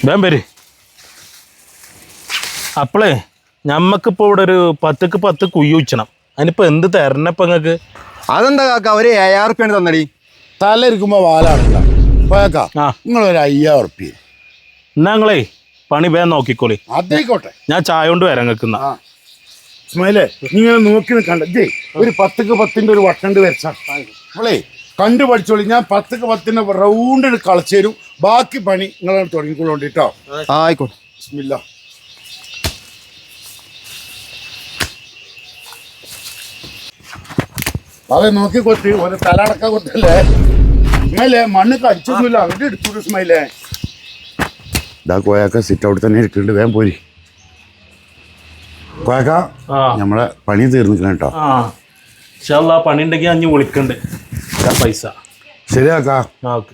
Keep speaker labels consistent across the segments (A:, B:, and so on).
A: വേം വര്. അപ്പളേ ഞമ്മക്കിപ്പോൾ ഇവിടെ ഒരു 10ക്ക് 10 കുയ്യ് വെച്ചണം. അതിനിപ്പോൾ എന്ത് തരണപ്പം നിങ്ങൾക്ക്?
B: അതെന്താ കാക്ക ഒരു 7000 റുപ്യാണ് തന്നടി.
C: തല ഇരിക്കുമ്പോ വാലാണല്ലോ പോയേക്കാ. നിങ്ങളൊരു 5000 റുപ്യ
A: എന്നാ നിങ്ങളേ പണി വേഗം നോക്കിക്കോളി.
C: അതേക്കോട്ടെ,
A: ഞാൻ ചായ കൊണ്ട് വരാൻ നിൽക്കുന്ന.
C: ഇസ്മായിലേ നിങ്ങൾ നോക്കി നിൽക്കണ്ട. ഒരു 10ക്ക് 10ന്റെ ഒരു വട്ടണ്ട് വരച്ചാ നമ്മളേ കണ്ടു പഠിച്ചോളി. ഞാൻ 10ക്ക് 10ന്റെ റൗണ്ടിന് കളിച്ചു തരും. ബാക്കി പണി നിങ്ങളാണ് തുടങ്ങിക്കൊള്ളോണ്ടിട്ടോ.
B: ആയിക്കോട്ടെ.
C: ബിസ്മില്ലാ. അതെ നോക്കി കൊത്തി ഒരു തലടക്ക കൊത്തല്ലേ ഇസ്മായിലേ. മണ്ണ് കടിച്ചൊന്നുമില്ല, അങ്ങോട്ട് എടുത്തു ഇസ്മായിലേ. ഇതാ കോയാക്ക സിറ്റ് ഔട്ട് തന്നെ ഇരിക്കുന്നുണ്ട്, വേഗം പോരി. കോയാക്ക നമ്മളെ പണി തീർന്നിക്കണം കേട്ടോ.
A: പണി ഉണ്ടെങ്കിൽ അഞ്ഞ് വിളിക്കണ്ട് പൈസ.
C: ശരിയാക്കാ.
A: ഓക്കെ.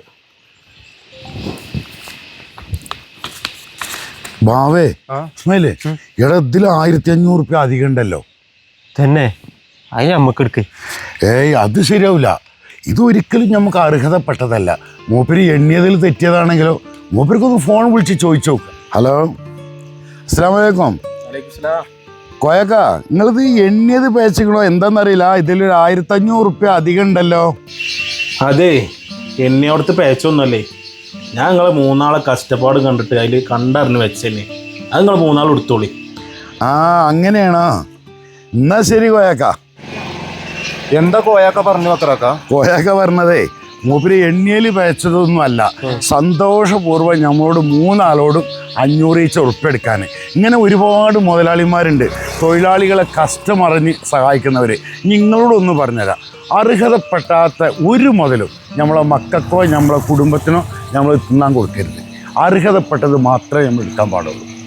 C: ബാവേ ഇസ്മായിലേ, എടാ ഇതിൽ 1500 റുപ്യ അധികം ഉണ്ടല്ലോ.
B: തന്നെ അതിന് നമ്മക്ക് എടുക്ക്.
C: ഏയ് അത് ശരിയാവില്ല. ഇതൊരിക്കലും നമുക്ക് അർഹതപ്പെട്ടതല്ല. മൂപ്പര് എണ്ണിയതിൽ തെറ്റിയതാണെങ്കിലോ മൂപ്പർക്കൊന്ന് ഫോൺ വിളിച്ച് ചോദിച്ചു നോക്ക്. ഹലോ, അസ്സലാമു അലൈക്കും. കോയക്ക, നിങ്ങളിത് എണ്ണിയത് പേച്ചക്കണോ എന്താണെന്നറിയില്ല, ഇതിലൊരു 1500 റുപ്യ അധികം ഉണ്ടല്ലോ.
A: അതെ, എന്നെ അവിടുത്തെ പേച്ചൊന്നുമല്ലേ. ഞാൻ നിങ്ങളെ 3 ആളെ കഷ്ടപ്പാട് കണ്ടിട്ട് അതിൽ കണ്ടറിഞ്ഞ് വെച്ചെന്നെ. അത് നിങ്ങൾ 3 ആൾ എടുത്തോളി.
C: അങ്ങനെയാണോ? എന്നാ ശരി കോയക്ക.
B: എന്താ കോയാക്ക പറഞ്ഞു അത്രക്ക?
C: കോയക്ക പറഞ്ഞതേ മൂപ്പര് എണ്ണിയൽ പേച്ചതൊന്നും അല്ല, സന്തോഷപൂർവ്വം നമ്മളോട് 3 ആളോടും 500 ഈച്ച ഉറപ്പെടുക്കാൻ. ഇങ്ങനെ ഒരുപാട് മുതലാളിമാരുണ്ട്, തൊഴിലാളികളെ കഷ്ടമറിഞ്ഞ് സഹായിക്കുന്നവർ. നിങ്ങളോടൊന്ന് പറഞ്ഞുതരാം, അർഹതപ്പെട്ടാത്ത ഒരു മുതലും നമ്മളെ മക്കൾക്കോ നമ്മളെ കുടുംബത്തിനോ നമ്മൾ തിന്നാൻ കൊടുക്കരുത്. അർഹതപ്പെട്ടത് മാത്രമേ നമ്മൾ എടുക്കാൻ പാടുള്ളൂ.